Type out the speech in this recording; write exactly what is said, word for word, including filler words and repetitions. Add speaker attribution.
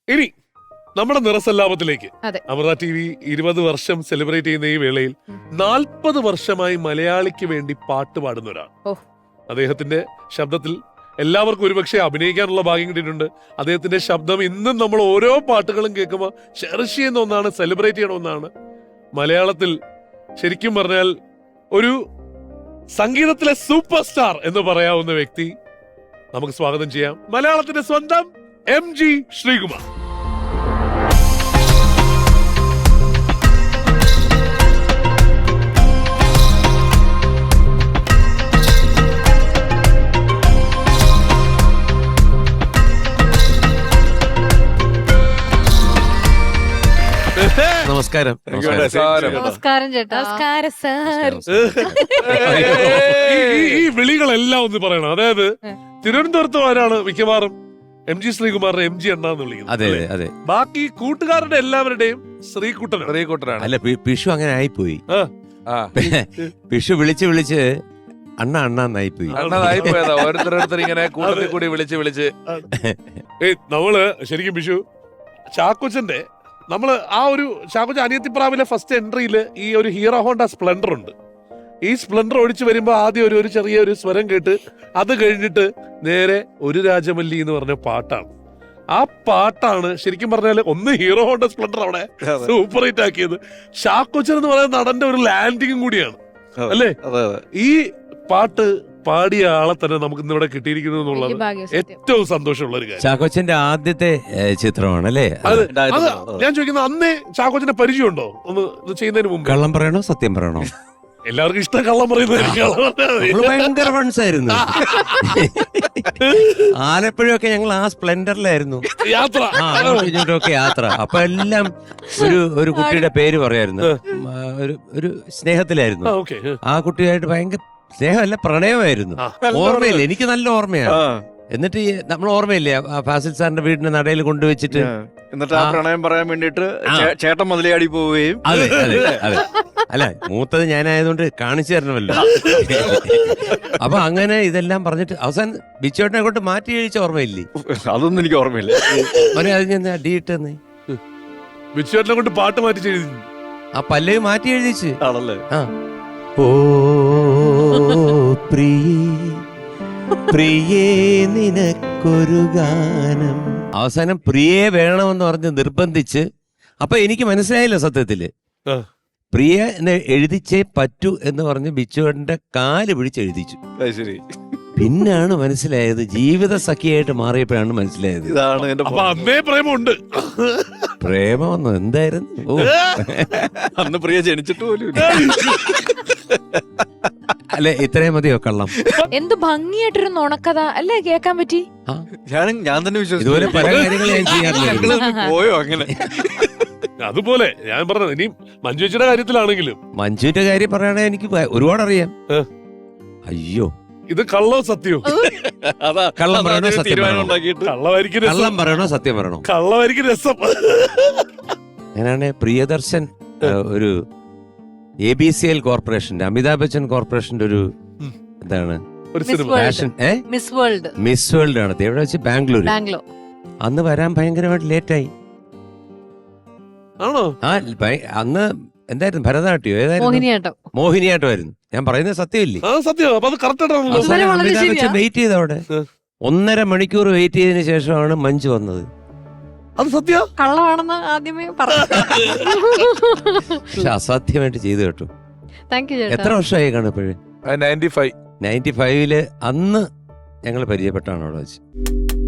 Speaker 1: ഇനി നമ്മുടെ നിറസല്ലാപത്തിലേക്ക്. Amrita T V ഇരുപത് വർഷം സെലിബ്രേറ്റ് ചെയ്യുന്ന ഈ വേളയിൽ നാൽപ്പത് വർഷമായി മലയാളിക്ക് വേണ്ടി പാട്ട് പാടുന്ന ഒരാൾ. അദ്ദേഹത്തിന്റെ ശബ്ദത്തിൽ എല്ലാവർക്കും ഒരുപക്ഷെ അഭിനയിക്കാനുള്ള ഭാഗ്യം കിട്ടിയിട്ടുണ്ട്. അദ്ദേഹത്തിന്റെ ശബ്ദം ഇന്നും നമ്മൾ ഓരോ പാട്ടുകളും കേൾക്കുമ്പോൾ ചെറിഷ് ചെയ്യുന്ന ഒന്നാണ്, സെലിബ്രേറ്റ് ചെയ്യണ ഒന്നാണ്. മലയാളത്തിൽ ശരിക്കും പറഞ്ഞാൽ ഒരു സംഗീതത്തിലെ സൂപ്പർ സ്റ്റാർ എന്ന് പറയാവുന്ന വ്യക്തി. നമുക്ക് സ്വാഗതം ചെയ്യാം മലയാളത്തിന്റെ സ്വന്തം എം ജി ശ്രീകുമാർ.
Speaker 2: നമസ്കാരം.
Speaker 3: നമസ്കാരം ചേട്ടാ. നമസ്കാരം സാർ.
Speaker 1: ഈ വിളികളെല്ലാം ഒന്ന് പറയണം. അതായത് തിരുവനന്തപുരത്ത് വരാണ് മിക്കവാറും എം ജി ശ്രീകുമാറിനെ എം ജി അണ്ണാന്ന് വിളിക്കുന്നത്.
Speaker 2: അതെ അതെ.
Speaker 1: ബാക്കി കൂട്ടുകാരുടെ എല്ലാവരുടെയും ശ്രീകുട്ടൻ
Speaker 2: ശ്രീകുട്ടനാണ്. അല്ല, പിഷു അങ്ങനെ ആയിപ്പോയി. പിഷു വിളിച്ച് വിളിച്ച് അണ്ണ അണ്ണാന്നായിപ്പോയി.
Speaker 4: അണ്ണായിപ്പോയതാ. ഓരോരുത്തരോരുത്തർ ഇങ്ങനെ കൂട്ടത്തിൽ കൂടി വിളിച്ച് വിളിച്ച്
Speaker 1: നമ്മള് ശരിക്കും പിഷു ചാക്കോച്ചന്റെ നമ്മള് ആ ഒരു ചാക്കോച്ച അനിയത്തിപ്രാവിലെ ഫസ്റ്റ് എൻട്രിയില് ഈ ഒരു ഹീറോ ഹോണ്ട സ്പ്ലെൻഡർ ഉണ്ട്. ഈ സ്പ്ലെൻഡർ ഓടിച്ചു വരുമ്പോ ആദ്യം ഒരു ഒരു ചെറിയ ഒരു സ്വരം കേട്ട് അത് കഴിഞ്ഞിട്ട് നേരെ ഒരു രാജമല്ലി എന്ന് പറഞ്ഞ പാട്ടാണ്. ആ പാട്ടാണ് ശരിക്കും പറഞ്ഞാല് ഒന്ന് ഹീറോ ഹോണ്ട സ്പ്ലെൻഡർ അവിടെ സൂപ്പർ ഹിറ്റ് ആക്കിയത്. ചാക്കോച്ചൻ എന്ന് പറയുന്ന നടന്റെ ഒരു ലാൻഡിങ്ങും കൂടിയാണ് അല്ലേ. ഈ പാട്ട് പാടിയ ആളെ തന്നെ നമുക്ക് ഇന്നിവിടെ കിട്ടിയിരിക്കുന്നു എന്നുള്ളത് ഏറ്റവും സന്തോഷമുള്ള ഒരു കാര്യം.
Speaker 2: ചാക്കോച്ചന്റെ ആദ്യത്തെ ചിത്രമാണ് അല്ലേ അത്?
Speaker 1: ഞാൻ ചോദിക്കുന്നത് അന്നേ ചാക്കോച്ചന്റെ പരിചയമുണ്ടോ ഒന്ന് ഇത് ചെയ്യുന്നതിന് മുമ്പ്?
Speaker 2: കള്ളം പറയണോ സത്യം പറയണോ?
Speaker 1: എല്ലാവർക്കും ഇഷ്ടം കള്ളം പറയുന്നത്.
Speaker 2: ഭയങ്കര ഫണ്ട്സ് ആയിരുന്നു. ആലപ്പുഴയൊക്കെ ഞങ്ങൾ ആ സ്പ്ലെൻഡറിലായിരുന്നു
Speaker 1: യാത്ര.
Speaker 2: ഒക്കെ യാത്ര. അപ്പൊ എല്ലാം ഒരു ഒരു കുട്ടിയുടെ പേര് പറയായിരുന്നു. ഒരു ഒരു സ്നേഹത്തിലായിരുന്നു. ആ കുട്ടിയായിട്ട് ഭയങ്കര സ്നേഹമല്ല, പ്രണയമായിരുന്നു. ഓർമ്മയില്ല, എനിക്ക് നല്ല ഓർമ്മയാണ്. എന്നിട്ട് നമ്മൾ ഓർമ്മയില്ലേ ഫാസിൽ സാറിന്റെ വീടിന്റെ നടയിൽ കൊണ്ടുവച്ചിട്ട്
Speaker 4: എന്നിട്ട് ആ പ്രണയം പറയാൻ വേണ്ടിട്ട് ചേട്ടൻ മുതലയാടി പോവുകയും.
Speaker 2: അതെ അതെ അതെ. അല്ല, മൂത്തത് ഞാനായതുകൊണ്ട് കാണിച്ചു തരണമല്ലോ. അപ്പൊ അങ്ങനെ ഇതെല്ലാം പറഞ്ഞിട്ട് അവസാനം ബിച്ചോട്ടിനെ കൊണ്ട് മാറ്റി കഴിച്ച ഓർമ്മയില്ലേ?
Speaker 4: അതൊന്നും എനിക്ക് ഓർമ്മയില്ല.
Speaker 2: അവനെ അത് ഞാൻ അടിയിട്ടെന്ന്
Speaker 1: ബിച്ചോട്ടിനെ കൊണ്ട് പാട്ട് മാറ്റി എഴുതി.
Speaker 2: ആ പല്ലവി മാറ്റി എഴുതിച്ച്
Speaker 4: ആണല്ലേ.
Speaker 2: ആ ഓ പ്രിയേ പ്രിയേ നിനക്കൊരു ഗാനം. അവസാനം പ്രിയേ വേണമെന്ന് പറഞ്ഞ് നിർബന്ധിച്ച്. അപ്പൊ എനിക്ക് മനസ്സിലായില്ല സത്യത്തില്. പ്രിയ എന്ന് എഴുതിച്ചേ പറ്റൂ എന്ന് പറഞ്ഞ് ബിച്ചുവേട്ടന്റെ കാല് പിടിച്ച് എഴുതിച്ചു. പിന്നാണ് മനസ്സിലായത്, ജീവിത സഖിയായിട്ട് മാറിയപ്പോഴാണ് മനസ്സിലായത്
Speaker 4: ഇതാണ്
Speaker 1: അന്നേ പ്രേമമുണ്ട്.
Speaker 2: പ്രേമമെന്നോ എന്തായിരുന്നു? ഓ,
Speaker 4: അന്ന് പ്രിയ ജനിച്ചിട്ട് പോലും.
Speaker 2: അല്ലെ, ഇത്രയും മതിയോ കള്ളം?
Speaker 3: എന്ത് ഭംഗിയായിട്ടൊരു നുണക്കഥ അല്ലേ കേക്കാൻ പറ്റി.
Speaker 4: ഞാൻ ഞാൻ തന്നെ വിശ്വസിച്ചു.
Speaker 2: ഇതുപോലെ പല കാര്യങ്ങളും ഞാൻ ചെയ്യാറില്ല.
Speaker 4: പോയോ അങ്ങനെ?
Speaker 1: അതുപോലെ ഞാൻ പറഞ്ഞത് ഇനി മഞ്ജുച്ചിയുടെ കാര്യത്തിലാണെങ്കിലും.
Speaker 2: മഞ്ജുവിന്റെ കാര്യം പറയുകയാണെങ്കിൽ എനിക്ക് ഒരുപാട് അറിയാം. അയ്യോ,
Speaker 1: ഇത് കള്ളോ സത്യോ?
Speaker 2: കള്ളം പറയണോ സത്യം പറയണോ?
Speaker 1: കള്ളമായിരിക്കും.
Speaker 2: കള്ളം പറയണോ സത്യം പറയണോ?
Speaker 1: കള്ളമായിരിക്കും രസം.
Speaker 2: ഞാനാണ് പ്രിയദർശൻ ഒരു എ ബി സി എൽ കോർപ്പറേഷന്റെ, അമിതാഭ് ബച്ചൻ കോർപ്പറേഷന്റെ ഒരു എന്താണ് fashion
Speaker 3: miss world
Speaker 2: miss world ആണ് എവിടെ വെച്ച്? ബാംഗ്ലൂർ.
Speaker 3: ബാംഗ്ലൂർ.
Speaker 2: അന്ന് വരാൻ ഭയങ്കരമായിട്ട് ലേറ്റായി.
Speaker 1: ആണോ?
Speaker 2: ആ അന്ന് എന്തായിരുന്നു, ഭരതനാട്യോ ഏതായിരുന്നു?
Speaker 3: മോഹിനിയാട്ടം.
Speaker 2: മോഹിനിയാട്ടമായിരുന്നു. ഞാൻ പറയുന്നത് സത്യമില്ലേ?
Speaker 1: സത്യം.
Speaker 2: വെയിറ്റ് ചെയ്ത് അവിടെ ഒന്നര മണിക്കൂർ വെയിറ്റ് ചെയ്തതിനു ശേഷമാണ് മഞ്ജു വന്നത്.
Speaker 1: അത് സത്യം
Speaker 3: കള്ളമാണെന്ന് ആദ്യമേ പറഞ്ഞു.
Speaker 2: പക്ഷെ അസാധ്യമായിട്ട് ചെയ്തു കേട്ടോ.
Speaker 3: Thank you.
Speaker 2: എത്ര വർഷമായി കാണും ഇപ്പോഴും?
Speaker 4: നയൻറ്റി ഫൈവ്
Speaker 2: നയൻറ്റി ഫൈവില് അന്ന് ഞങ്ങൾ പരിചയപ്പെട്ടാണ് അവിടെ വെച്ച്.